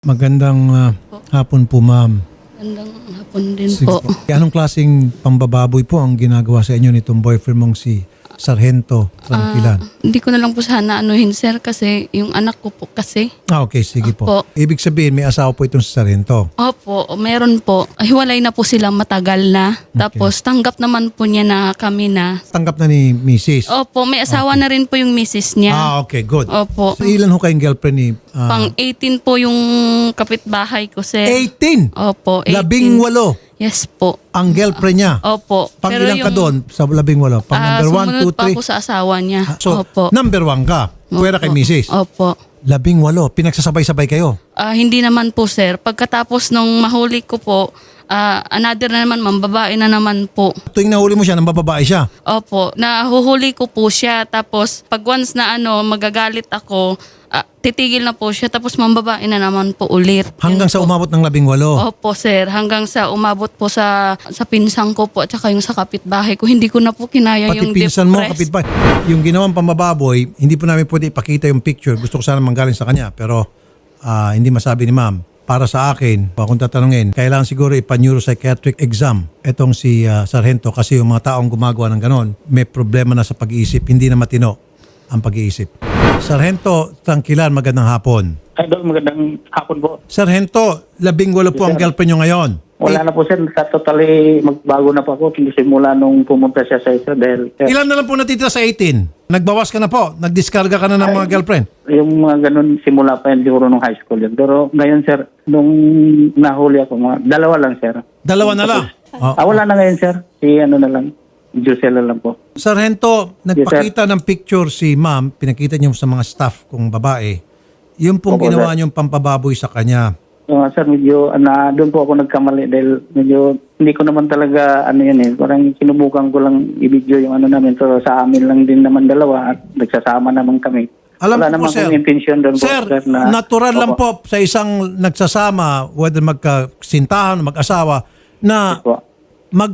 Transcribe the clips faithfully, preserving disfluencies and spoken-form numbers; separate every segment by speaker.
Speaker 1: Magandang ah, hapon po, ma'am.
Speaker 2: Magandang hapon din
Speaker 1: Sige
Speaker 2: po.
Speaker 1: po. Anong klaseng pambababoy po ang ginagawa sa inyo nitong boyfriend mong si Sargento Tranquilan?
Speaker 2: Ah, hindi ko na lang po sana anuhin, sir, kasi yung anak ko po kasi.
Speaker 1: Ah, okay. Sige po.
Speaker 2: Opo.
Speaker 1: Ibig sabihin, may asawa po itong si Sargento.
Speaker 2: Opo, meron po. Hiwalay na po sila matagal na. Tapos tanggap naman po niya na kami na.
Speaker 1: Tanggap na ni Missus
Speaker 2: Opo, may asawa na rin po yung misis niya.
Speaker 1: Ah, okay. Good.
Speaker 2: Opo.
Speaker 1: So, ilan ho kayong girlfriend ni... ah,
Speaker 2: Pang eighteen po yung kapitbahay ko, sir.
Speaker 1: eighteen?
Speaker 2: Opo, eighteen.
Speaker 1: Labing walo
Speaker 2: Yes po.
Speaker 1: ang girlfriend niya.
Speaker 2: Opo.
Speaker 1: Pang ilan ka doon sa labing walo? Pang
Speaker 2: ah,
Speaker 1: number one,
Speaker 2: sumunod
Speaker 1: two,
Speaker 2: pa
Speaker 1: three?
Speaker 2: ako sa asawa niya.
Speaker 1: Ah, So,
Speaker 2: Opo.
Speaker 1: number one ka. Pwera kay
Speaker 2: Opo.
Speaker 1: Missus
Speaker 2: Opo.
Speaker 1: Labing walo. Pinagsasabay-sabay kayo.
Speaker 2: Ah, hindi naman po, sir. Pagkatapos nung mahuli ko po, ah, another na naman, mambabae na naman po.
Speaker 1: Tuwing nahuli mo siya, nang bababae siya.
Speaker 2: Opo, nahuhuli ko po siya. Tapos pag once na ano, magagalit ako, ah, titigil na po siya. Tapos mambabae na naman po ulit.
Speaker 1: Hanggang
Speaker 2: Yun
Speaker 1: sa
Speaker 2: po.
Speaker 1: umabot ng labing walo.
Speaker 2: Opo, sir. Hanggang sa umabot po sa sa pinsang ko po at saka yung sa kapitbahay ko. Hindi ko na po kinaya
Speaker 1: Pati
Speaker 2: yung
Speaker 1: pinsan mo,
Speaker 2: depressed.
Speaker 1: kapitbahay. Yung ginawang pambababoy, hindi po namin pwede ipakita yung picture. Gusto ko sana manggaling sa kanya. Pero ah, hindi masabi ni ma'am. Para sa akin, kung tatanungin, kailangan siguro ipa-neuropsychiatric exam itong si ah, Sargento kasi yung mga taong gumagawa ng ganon, may problema na sa pag-iisip, hindi na matino ang pag-iisip. Sargento Tranquilan, magandang hapon.
Speaker 3: Idol, magandang hapon po.
Speaker 1: Sargento, labing walo po ang girlfriend nyo ngayon.
Speaker 3: Wala na po sir, sa totally magbago na po ako simula nung pumunta siya sa isa dahil sir,
Speaker 1: Ilan na lang po natitira sa eighteen? Nagbawas ka na po? Nagdiskarga ka na ng mga girlfriend?
Speaker 3: yung mga ganun simula pa yun siguro nung high school yun. Pero ngayon sir, nung nahuli ako, mga, dalawa lang sir.
Speaker 1: Dalawa na lang? Oh.
Speaker 3: Ah, wala na ngayon sir, si ano na lang, Josela lang po.
Speaker 1: Sargento, nagpakita ng picture si ma'am, pinakita niyo sa mga staff kung babae. Yung pong
Speaker 3: Opo,
Speaker 1: ginawa
Speaker 3: sir.
Speaker 1: niyong pampababoy sa kanya.
Speaker 3: So, sir, medyo na doon po ako nagkamali dahil medyo hindi ko naman talaga ano yun eh. Parang sinubukan ko lang i-video yung ano namin. So sa amin lang din naman dalawa at nagsasama naman kami.
Speaker 1: Alam
Speaker 3: Wala
Speaker 1: ko po,
Speaker 3: naman
Speaker 1: sir.
Speaker 3: kong intention doon po.
Speaker 1: Sir,
Speaker 3: na,
Speaker 1: natural lang
Speaker 3: Opo.
Speaker 1: po sa isang nagsasama, whether magkasintahan o mag-asawa, na
Speaker 3: Po.
Speaker 1: mag...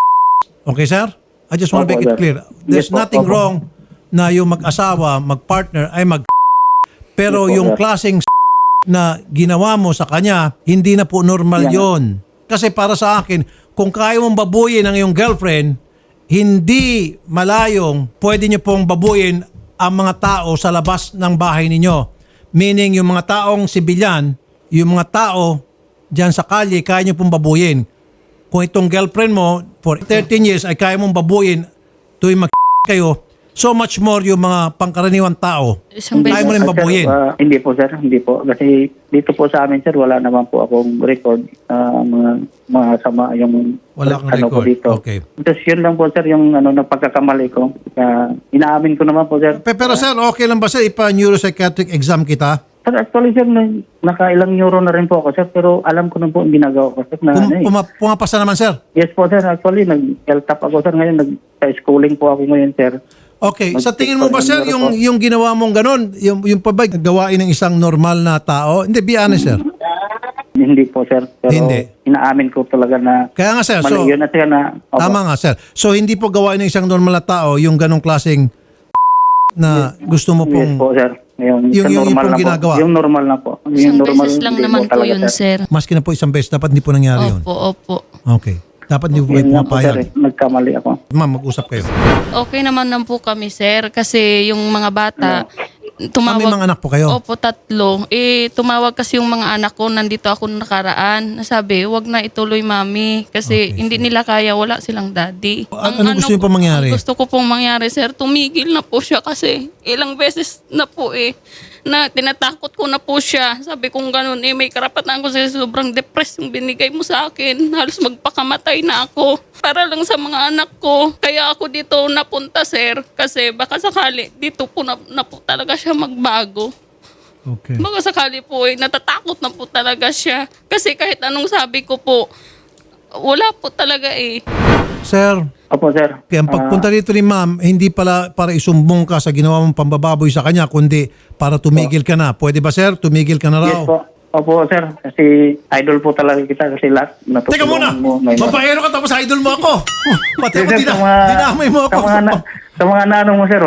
Speaker 1: Okay, sir? I just want to
Speaker 3: Opo,
Speaker 1: make it
Speaker 3: sir.
Speaker 1: clear. There's
Speaker 3: Yes po,
Speaker 1: nothing
Speaker 3: opo.
Speaker 1: wrong na yung mag-asawa, mag-partner ay mag... Pero
Speaker 3: Yes po,
Speaker 1: yung
Speaker 3: sir.
Speaker 1: klaseng na ginawa mo sa kanya, hindi na po normal
Speaker 3: Yeah.
Speaker 1: yon. Kasi para sa akin, kung kaya mong babuyin ang iyong girlfriend, hindi malayong pwede niyo pong babuyin ang mga tao sa labas ng bahay ninyo. Meaning yung mga taong sibilyan, yung mga tao dyan sa kalye, kaya niyo pong babuyin. Kung itong girlfriend mo, for thirteen years, ay kaya mong babuyin tuwing mag kayo, so much more yung mga pangkaraniwang tao.
Speaker 2: Isang
Speaker 1: Kaya mo
Speaker 2: beses.
Speaker 1: rin
Speaker 3: Ah, sir,
Speaker 1: babuyin.
Speaker 3: ah, hindi po sir, hindi po. Kasi dito po sa amin sir, wala naman po akong record. ah, mga mga sama yung
Speaker 1: Wala kang
Speaker 3: ano po
Speaker 1: record.
Speaker 3: dito.
Speaker 1: Okay.
Speaker 3: Tapos yun lang po sir yung ano, napagkakamali ko. Ah, inaamin ko naman po sir.
Speaker 1: Pe- Pero sir, okay lang ba sir, ipa-neuropsychiatric exam kita?
Speaker 3: Sir, actually sir, na- nakailang euro na rin po ako sir, pero alam ko na po ang ginagawa ko sir. Na,
Speaker 1: Pum-
Speaker 3: ano, eh.
Speaker 1: puma- pumapasa naman sir.
Speaker 3: Yes po sir, actually nag-L T A P ako sir ngayon, nag-schooling po ako ngayon sir.
Speaker 1: Okay, sa tingin mo ba sir, yung, yung ginawa mong ganon, yung, yung pa ba gawain ng isang normal na tao? Hindi, be honest sir.
Speaker 3: Hindi po sir, pero
Speaker 1: Hindi.
Speaker 3: inaamin ko talaga na
Speaker 1: Kaya nga sir,
Speaker 3: mali
Speaker 1: so,
Speaker 3: yun at sir na opo.
Speaker 1: tama nga sir. So hindi po gawain ng isang normal na tao yung ganong klaseng na gusto mo
Speaker 3: Yes
Speaker 1: pong...
Speaker 3: po sir. Yung,
Speaker 1: Yung-
Speaker 3: sa
Speaker 1: yung- yung
Speaker 3: normal
Speaker 1: pong
Speaker 3: na
Speaker 1: ginagawa.
Speaker 3: po. Yung normal na po.
Speaker 2: Isang
Speaker 3: Yung normal
Speaker 2: beses lang
Speaker 3: hindi
Speaker 2: naman po
Speaker 3: talaga,
Speaker 2: yun, sir.
Speaker 1: Maski na po isang beses, dapat hindi po nangyari yun.
Speaker 2: Opo, opo.
Speaker 1: Okay. Dapat hindi po kayo
Speaker 3: Yun lang po sir,
Speaker 1: pumapayag.
Speaker 3: eh. Nagkamali ako.
Speaker 1: Ma'am, mag-usap kayo.
Speaker 2: Okay naman lang po kami, sir. Kasi yung mga bata,
Speaker 1: Ah,
Speaker 2: tumawag...
Speaker 1: may mga anak po kayo?
Speaker 2: Opo, tatlo. Eh, tumawag kasi yung mga anak ko, nandito ako nung nakaraan. Nasabi, wag na ituloy, mami. Kasi
Speaker 1: Okay,
Speaker 2: hindi nila kaya, wala silang daddy.
Speaker 1: An- anong gusto niyo
Speaker 2: po-
Speaker 1: pong mangyari?
Speaker 2: ang gusto ko pong mangyari, sir, tumigil na po siya kasi ilang beses na po eh, na tinatakot ko na po siya. Sabi kong ganun, eh, may karapatan ko kasi sobrang depressed yung binigay mo sa akin. Halos magpakamatay na ako para lang sa mga anak ko. Kaya ako dito napunta, sir, kasi baka sakali dito po na, na po talaga siya magbago.
Speaker 1: Okay.
Speaker 2: Baka sakali po eh, natatakot na po talaga siya. Kasi kahit anong sabi ko po, wala po talaga eh.
Speaker 1: Sir,
Speaker 3: Opo sir.
Speaker 1: kaya ang
Speaker 3: Ah,
Speaker 1: pagpunta dito ni ma'am, hindi pala para isumbong ka sa ginawa mong pambababoy sa kanya, kundi para tumigil ka na. Pwede ba sir? Tumigil ka na raw.
Speaker 3: yes po. Opo sir. Kasi idol po talaga kita kasi lahat natutulungan
Speaker 1: Teka muna!
Speaker 3: mo. ngayon.
Speaker 1: Babaero ka tapos idol mo ako! Pati
Speaker 3: Yes,
Speaker 1: ako,
Speaker 3: sir,
Speaker 1: dina,
Speaker 3: sa mga-
Speaker 1: dinamay mo ako.
Speaker 3: Sa mga, na, sa mga nanong mo sir ba?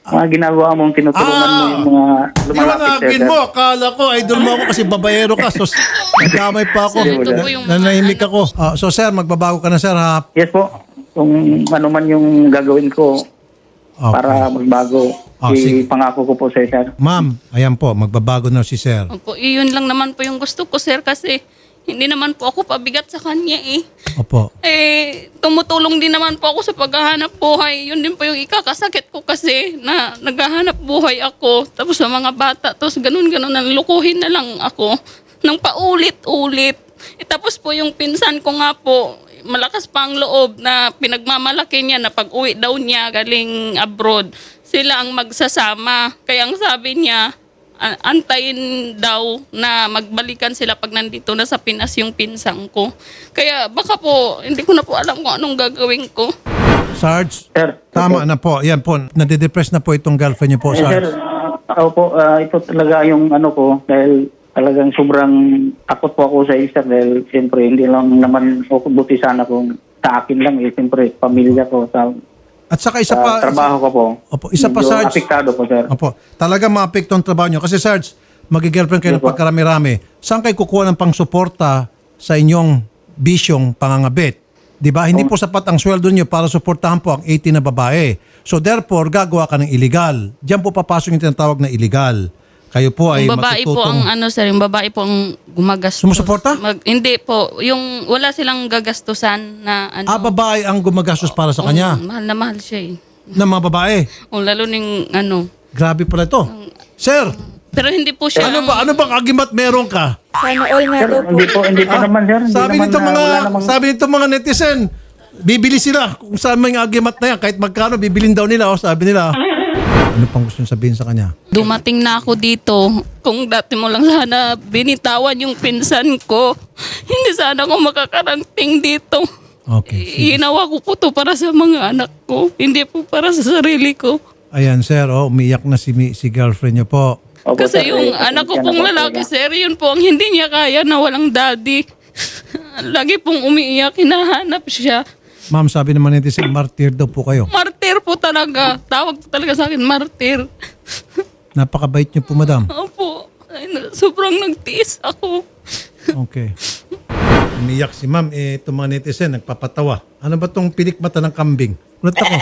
Speaker 3: mga ginagawa mong tinutulungan mo yung mga lumalapit sir.
Speaker 1: Iwanagin mo, akala ko, idol mo ako kasi babayero ka. So, nagdamay pa ako.
Speaker 2: Sir, ito po yung mga
Speaker 1: Nanahimik
Speaker 2: anak
Speaker 1: ako. Ah, so, sir, magbabago ka na, sir, ha?
Speaker 3: Yes po. Kung ano man yung gagawin ko
Speaker 1: Okay.
Speaker 3: para magbago,
Speaker 1: Ah, sige.
Speaker 3: ipangako ko po sa sir.
Speaker 1: Ma'am, ayan po, magbabago na si sir.
Speaker 2: Opo, iyon lang naman po yung gusto ko, sir, kasi hindi naman po ako pabigat sa kanya eh.
Speaker 1: Opo.
Speaker 2: Eh, tumutulong din naman po ako sa paghahanap buhay. Yun din po yung ikakasakit ko kasi na naghahanap buhay ako. Tapos sa mga bata, tapos ganun-ganun, nalukuhin na lang ako ng paulit-ulit. Eh, tapos po yung pinsan ko nga po, malakas pa ang loob na pinagmamalaki niya na pag-uwi daw niya galing abroad, sila ang magsasama. Kaya ang sabi niya, a- antayin daw na magbalikan sila pag nandito na sa Pinas yung pinsang ko. Kaya baka po, hindi ko na po alam kung anong gagawin ko.
Speaker 1: Sarge,
Speaker 3: Sir,
Speaker 1: tama na po. Yan po, nade-depress na po itong girlfriend niyo po,
Speaker 3: Eh, sir,
Speaker 1: Sarge.
Speaker 3: uh, ako po, ah, ito talaga yung ano ko dahil talagang sobrang takot po ako sa isa dahil siyempre hindi lang naman ako buti sana kung sa akin lang eh, siyempre pamilya ko sa,
Speaker 1: At saka isa
Speaker 3: sa
Speaker 1: pa,
Speaker 3: trabaho ko po.
Speaker 1: Opo, isa pa,
Speaker 3: Medyo
Speaker 1: Sarge.
Speaker 3: apektado po sir.
Speaker 1: Opo, talaga maapekto ang trabaho nyo. Kasi Sarge, magigirlfriend kayo ng
Speaker 3: Opo.
Speaker 1: pagkarami-rami. Saan kayo kukuha ng pangsuporta sa inyong bisyong pangangabit? Di ba? Hindi po sapat ang sweldo nyo para suportahan po ang eighteen na babae. So therefore, gagawa ka ng illegal. Diyan po papasok yung tinatawag na illegal. Kayo po ay
Speaker 2: Yung babae po
Speaker 1: matututong...
Speaker 2: ang ano sir, yung babae po ang gumagastos.
Speaker 1: Sumusuporta?
Speaker 2: Mag, hindi po, yung wala silang gagastusan na ano.
Speaker 1: Ah, babae ang gumagastos para sa kanya.
Speaker 2: um, mahal na mahal siya eh.
Speaker 1: Ng mga babae.
Speaker 2: O lalo ning ano.
Speaker 1: Grabe pala ito. Sir,
Speaker 2: Pero hindi po siya
Speaker 1: ano
Speaker 2: ang-
Speaker 1: ba? Ano bang agimat meron ka?
Speaker 4: Sana all nga
Speaker 3: Sir,
Speaker 4: daw po.
Speaker 3: hindi po, hindi po
Speaker 1: Ah,
Speaker 3: naman sir. Hindi
Speaker 1: sabi
Speaker 3: naman,
Speaker 1: nito
Speaker 3: ah,
Speaker 1: mga
Speaker 3: wala namang-
Speaker 1: sabi nito mga netizen, bibili sila kung saan may agimat na yan kahit magkano bibilin daw nila, oh, sabi nila. Ano pang gusto nyo sabihin sa kanya?
Speaker 2: Dumating na ako dito. Kung dati mo lang sana binitawan yung pinsan ko, hindi sana ako makakarating dito.
Speaker 1: Okay. sige.
Speaker 2: Ginawa ko po to para sa mga anak ko, hindi po para sa sarili ko.
Speaker 1: Ayan sir, oh, umiyak na si, mi- si girlfriend nyo po.
Speaker 3: Opo,
Speaker 2: Kasi
Speaker 3: sir,
Speaker 2: yung
Speaker 3: eh,
Speaker 2: anak ko
Speaker 3: pasensya na
Speaker 2: pong
Speaker 3: po
Speaker 2: lalaki,
Speaker 3: talaga.
Speaker 2: sir, yun po ang hindi niya kaya na walang daddy. Lagi pong umiiyak, hinahanap siya.
Speaker 1: Ma'am, sabi naman netizen, martyr daw po kayo.
Speaker 2: Martir po talaga. Tawag po talaga sa akin, martir.
Speaker 1: Napakabait nyo po, madam.
Speaker 2: Opo. Ay, na- sobrang nagtiis ako.
Speaker 1: Okay. Umiyak si ma'am, eh, itong mga netizen, nagpapatawa. Ano ba tong pilikmata ng kambing? Ulit ako.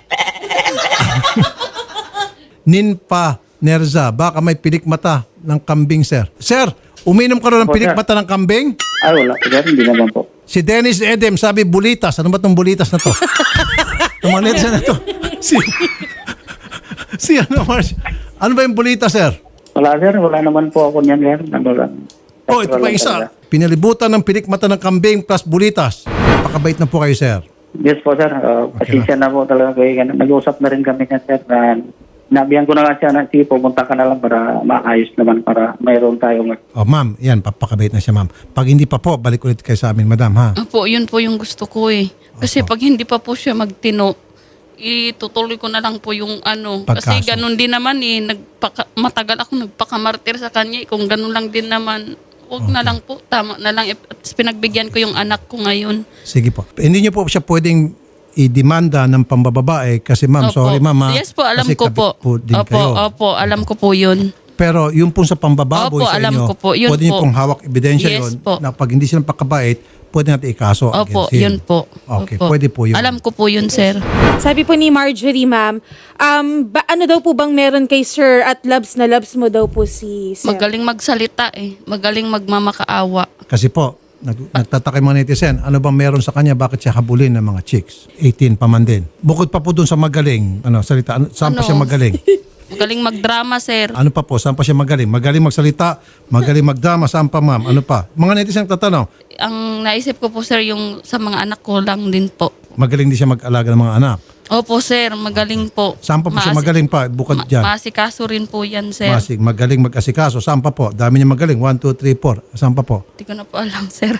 Speaker 1: Ninpa Nerza, baka may pilikmata ng kambing, sir. Sir, uminom ka rin ng
Speaker 3: Opo, sir.
Speaker 1: pilikmata ng kambing?
Speaker 3: Ay, wala po sir, hindi naman po.
Speaker 1: Si Dennis Edem, sabi bulitas. Ano ba tong bulitas na to? Itong mga netizen na to. Si, si ano, Mars? Ano ba yung bulitas, sir?
Speaker 3: Wala sir, wala naman po ako niyan sir. Ano lang.
Speaker 1: Oh, ito pa
Speaker 3: Wala
Speaker 1: isa.
Speaker 3: talaga.
Speaker 1: Pinalibutan ng pilikmata ng kambing plus bulitas. Pakabait na po kayo, sir.
Speaker 3: Yes po sir, uh, pasensya na po talaga kayo. Nag-usap na rin kami niyan sir. Na, nabihan ko na nga siya na, sige, pumunta ka na lang para maayos naman, para mayroon tayong...
Speaker 1: Oh, ma'am, yan, papakabait na siya, ma'am. Pag hindi pa po, balik ulit kayo sa amin, madam, ha?
Speaker 2: Opo, yun po yung gusto ko eh. Kasi pag hindi pa po siya magtino, itutuloy ko na lang po yung ano. Kasi
Speaker 1: Pagkaso.
Speaker 2: ganun din naman eh. Nagpaka, matagal ako nagpakamartir sa kanya eh. Kung ganun lang din naman, huwag na lang po. Tama na lang. At pinagbigyan ko yung anak ko ngayon.
Speaker 1: Sige po. Hindi niyo po siya pwedeng i-demanda ng pambababae kasi, ma'am,
Speaker 2: Opo.
Speaker 1: sorry, ma'am, ha?
Speaker 2: Yes po, alam
Speaker 1: Kasi
Speaker 2: ko
Speaker 1: kabit
Speaker 2: po.
Speaker 1: po din
Speaker 2: Opo,
Speaker 1: kayo.
Speaker 2: opo, alam ko po yun.
Speaker 1: Pero yung pong sa pambababoy
Speaker 2: Opo,
Speaker 1: sa
Speaker 2: alam
Speaker 1: inyo,
Speaker 2: ko po. Yun
Speaker 1: pwede niyo
Speaker 2: po.
Speaker 1: pong hawak ebidensya
Speaker 2: Yes
Speaker 1: yun
Speaker 2: po.
Speaker 1: na pag hindi sila pakabait, pwede natin ikaso
Speaker 2: Opo,
Speaker 1: against him.
Speaker 2: yun po.
Speaker 1: Okay,
Speaker 2: Opo.
Speaker 1: pwede po yun.
Speaker 2: Alam ko po yun, sir.
Speaker 4: Sabi po ni Marjorie, ma'am, um, ba, ano daw po bang meron kay sir at loves na loves mo daw po si sir?
Speaker 2: Magaling magsalita eh. Magaling magmamakaawa.
Speaker 1: Kasi po, nag, nagtataka yung mga netizen, ano bang meron sa kanya, bakit siya habulin ng mga chicks? eighteen pa man din. Bukod pa po dun sa magaling, ano, salita, ano, saan pa
Speaker 2: Ano?
Speaker 1: siya magaling?
Speaker 2: Magaling magdrama, sir.
Speaker 1: Ano pa po, saan pa siya magaling? Magaling magsalita, magaling magdrama, saan pa, ma'am? Ano pa? Mga netizen tatanong,
Speaker 2: Ang naisip ko po, sir, yung sa mga anak ko lang din po.
Speaker 1: magaling din siya mag-alaga ng mga anak.
Speaker 2: Opo, sir. Magaling po.
Speaker 1: Saan pa po siya
Speaker 2: Maasi-
Speaker 1: magaling pa, bukod
Speaker 2: Ma-
Speaker 1: dyan?
Speaker 2: Maasikaso rin po yan, sir.
Speaker 1: Masig, magaling mag-asikaso. Saan pa po? Dami niya magaling. one, two, three, four. Saan pa po?
Speaker 2: Hindi ko na po alam, sir.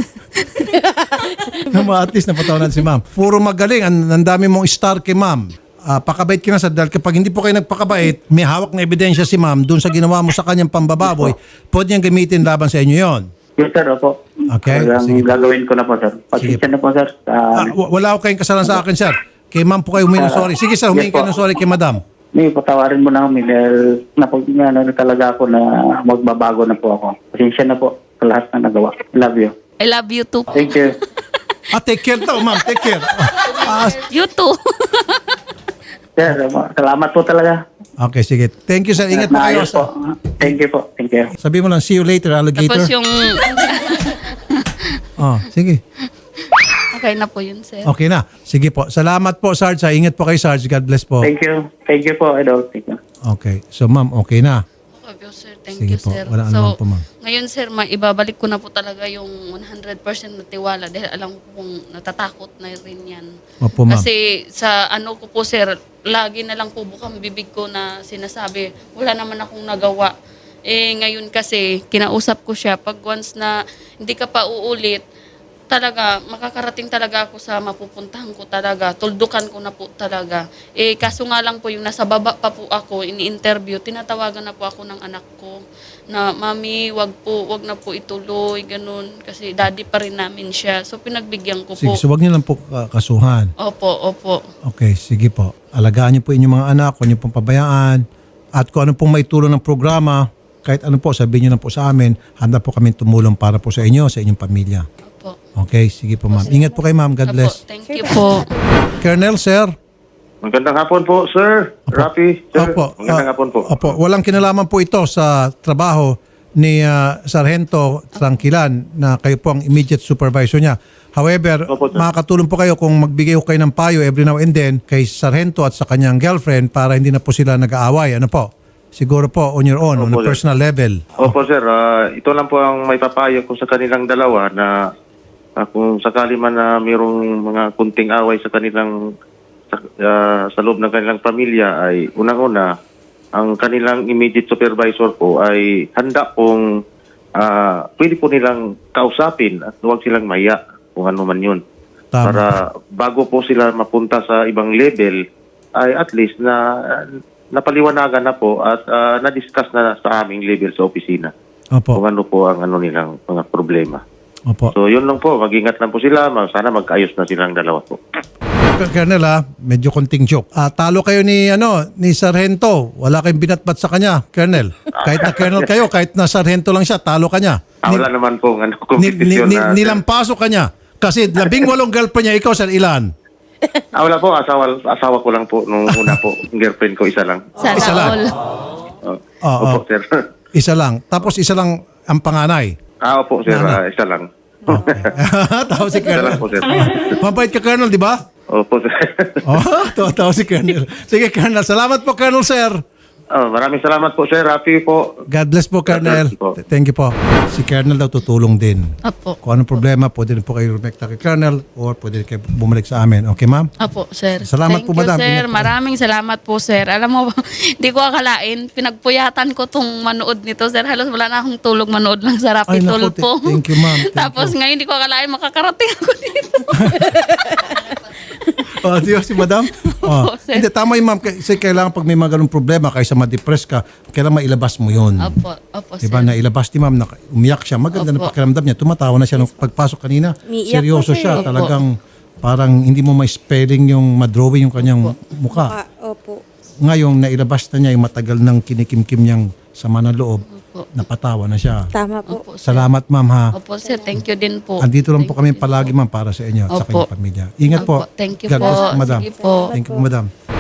Speaker 1: Naman, at least napatawa natin si ma'am. Puro magaling. Ang, ang dami mong star kay ma'am. Ah, pakabait ka na sa dahil kapag hindi po kayo nagpakabait, may hawak na ebidensya si ma'am doon sa ginawa mo sa kanyang pambababoy, pwede niyang gamitin laban sa inyo yon.
Speaker 3: Yes sir, opo.
Speaker 1: Okay,
Speaker 3: Talagang
Speaker 1: sige po.
Speaker 3: gagawin ko na po sir. Pasensya na po sir.
Speaker 1: Ah,
Speaker 3: Ah,
Speaker 1: w- wala ko kayong kasalanan sa akin, sir. Kay ma'am po kayo humingi ng sorry. Sige sir, humingi
Speaker 3: Yes po.
Speaker 1: kayo ng sorry kay madam.
Speaker 3: may patawarin mo na kami dahil napag ano, talaga ako na magbabago na po ako. Pasensya na po sa lahat na nagawa. Love you.
Speaker 2: I love you too.
Speaker 3: Thank you.
Speaker 1: Ah, take care daw, ma'am. Take care. Ah,
Speaker 2: You too.
Speaker 3: Sir, salamat po talaga.
Speaker 1: okay, sige. Thank you, sir. Ingat po kayo.
Speaker 3: Naayos po. Thank you po. Thank you.
Speaker 1: Sabi mo lang, see you later, alligator.
Speaker 2: Tapos yung...
Speaker 1: Oh, sige.
Speaker 2: Okay na po yun, sir.
Speaker 1: Okay na. Sige po. Salamat po, Sarge. Ha. Ingat po kay Sarge. God bless po.
Speaker 3: Thank you. Thank you po, Idol. Thank you.
Speaker 1: Okay. So, ma'am, okay na.
Speaker 2: Okay po, sir. Thank
Speaker 1: Sige
Speaker 2: you,
Speaker 1: po.
Speaker 2: sir.
Speaker 1: Wala
Speaker 2: so,
Speaker 1: naman po, ma'am.
Speaker 2: ngayon, sir, maibabalik ko na po talaga yung one hundred percent na tiwala dahil alam ko kung natatakot na rin yan.
Speaker 1: Opo, ma'am.
Speaker 2: Kasi sa ano ko po, sir, lagi na lang po bukang bibig ko na sinasabi, wala naman akong nagawa. Eh, ngayon kasi, kinausap ko siya, pag once na hindi ka pa uulit, talaga, makakarating talaga ako sa mapupuntahan ko talaga. Tuldukan ko na po talaga. Eh, kaso nga lang po, yung nasa baba pa po ako, ini-interview, tinatawagan na po ako ng anak ko na, Mami, wag po, wag na po ituloy, ganun. Kasi daddy pa rin namin siya. So, pinagbigyan ko
Speaker 1: Sige,
Speaker 2: po.
Speaker 1: so wag niyo lang po uh, kasuhan.
Speaker 2: Opo, opo.
Speaker 1: Okay, sige po. Alagaan niyo po inyong mga anak, huwag niyo pong pabayaan. At kung ano pong may tulong ng programa, kahit ano po, sabihin niyo lang po sa amin, handa po kami tumulong para po sa inyo, sa inyong pamilya.
Speaker 2: Opo.
Speaker 1: Okay, sige po ma'am. Ingat po kayo ma'am. God
Speaker 2: Opo,
Speaker 1: bless.
Speaker 2: thank you po.
Speaker 1: Colonel, sir.
Speaker 5: Magandang hapon po, sir. Rafi, sir.
Speaker 1: Opo.
Speaker 5: Magandang
Speaker 1: ah,
Speaker 5: hapon po.
Speaker 1: Opo. Walang kinalaman po ito sa trabaho ni ah, Sargento Tranquilan na kayo po ang immediate supervisor niya. However,
Speaker 5: Opo, sir.
Speaker 1: makakatulong po kayo kung magbigay ko kayo ng payo every now and then kay Sargento at sa kanyang girlfriend para hindi na po sila nag-aaway. Ano po? Siguro po on your own, on a
Speaker 5: Opo, sir.
Speaker 1: personal level.
Speaker 5: Opo, sir. Ah, ito lang po ang may papayo ko sa kanilang dalawa na ah, kung sakali man na mayroong mga kunting away sa kanilang sa, ah, sa loob ng kanilang pamilya ay unang-una ang kanilang immediate supervisor po ay handa pong ah, pwede po nilang kausapin at huwag silang maya kung ano man yun.
Speaker 1: Tama.
Speaker 5: Para bago po sila mapunta sa ibang level ay at least na napaliwanagan na po at ah, na-discuss na sa aming level sa opisina
Speaker 1: Opo.
Speaker 5: kung ano po ang ano nilang mga problema.
Speaker 1: Opo.
Speaker 5: So yun lang po, mag-ingat lang po sila, ma- sana magkaayos na silang dalawa po.
Speaker 1: Colonel ah, medyo konting joke. Ah, talo kayo ni ano ni Sargento. Wala kayong binatbat sa kanya, Colonel. Kahit na Colonel kayo, kahit na Sargento lang siya, talo ka niya.
Speaker 5: Ah, wala naman po ano,
Speaker 1: Ni, ni,
Speaker 5: competition
Speaker 1: ni,
Speaker 5: na...
Speaker 1: nilampaso ka niya. Kasi labing walong girlfriend niya, ikaw sir, ilan?
Speaker 5: Ah, wala po, asawa, asawa ko lang po nung una po, girlfriend ko isa lang.
Speaker 2: Sana
Speaker 1: Isa lang.
Speaker 2: all.
Speaker 5: Oh,
Speaker 1: Oo.
Speaker 5: opo, sir.
Speaker 1: Isa lang. Tapos isa lang ang panganay.
Speaker 5: Ah, opo, sir,
Speaker 1: Nana.
Speaker 5: ah, isa lang.
Speaker 1: Okay. Tapos si
Speaker 5: Isa lang
Speaker 1: Colonel.
Speaker 5: po, sir.
Speaker 1: Mabait ka, Colonel, di ba?
Speaker 5: Opo, sir.
Speaker 1: Oh, tawa si Colonel. Sige, Colonel. Salamat po, Colonel, sir.
Speaker 5: Oh, maraming salamat po, sir. Happy po.
Speaker 1: God bless po, Colonel.
Speaker 5: God bless po.
Speaker 1: Thank you po. Si Colonel daw tutulong din.
Speaker 2: Opo.
Speaker 1: Kung anong problema, pwede rin po kayo rumekta kay Colonel or pwede rin kayo bumalik sa amin. Okay, ma'am?
Speaker 2: Apo, sir.
Speaker 1: Salamat
Speaker 2: Thank
Speaker 1: po,
Speaker 2: you,
Speaker 1: madam.
Speaker 2: sir.
Speaker 1: Ingat po.
Speaker 2: Maraming salamat po, sir. Alam mo, hindi ko akalain, pinagpuyatan ko tong manood nito, sir. Halos wala na akong tulog, manood lang sa
Speaker 1: Ay,
Speaker 2: Rapid
Speaker 1: naku,
Speaker 2: Tulog po.
Speaker 1: th- thank you, ma'am. Thank
Speaker 2: Tapos
Speaker 1: you.
Speaker 2: ngayon, hindi ko akalain makakarating ako dito.
Speaker 1: Oh, di ba si madam? Oh.
Speaker 2: Opo, sir.
Speaker 1: Hindi, tama yung ma'am. Kasi kailangan pag may mga ganung problema, kaysa ma-depress ka, kailangan mailabas mo yun.
Speaker 2: Opo, opo,
Speaker 1: Diba,
Speaker 2: sir.
Speaker 1: na ilabas ni ma'am, na umiyak siya. Maganda na
Speaker 2: Opo.
Speaker 1: pakiramdam niya. Tumatawa na siya nung pagpasok kanina.
Speaker 4: Umiiyak
Speaker 1: Seryoso
Speaker 4: pa siya
Speaker 1: siya.
Speaker 4: eh.
Speaker 2: Opo.
Speaker 1: Talagang parang hindi mo may spelling yung madrawing yung kanyang mukha.
Speaker 4: Ah, opo.
Speaker 1: Ngayon, nailabas na niya yung matagal ng kinikimkim niyang sama ng loob.
Speaker 2: Opo.
Speaker 1: Napatawa na siya.
Speaker 4: Tama po.
Speaker 2: Opo, sir.
Speaker 1: Salamat ma'am ha.
Speaker 2: Opo, sir. Thank you din po.
Speaker 1: Andito lang po
Speaker 2: Thank
Speaker 1: kami
Speaker 2: you.
Speaker 1: palagi ma'am para sa inyo at sa
Speaker 2: Opo.
Speaker 1: kanyang pamilya. Ingat po.
Speaker 2: Opo, thank you
Speaker 1: God
Speaker 2: po.
Speaker 1: bless, madam.
Speaker 2: Sige po.
Speaker 1: Thank you po, madam.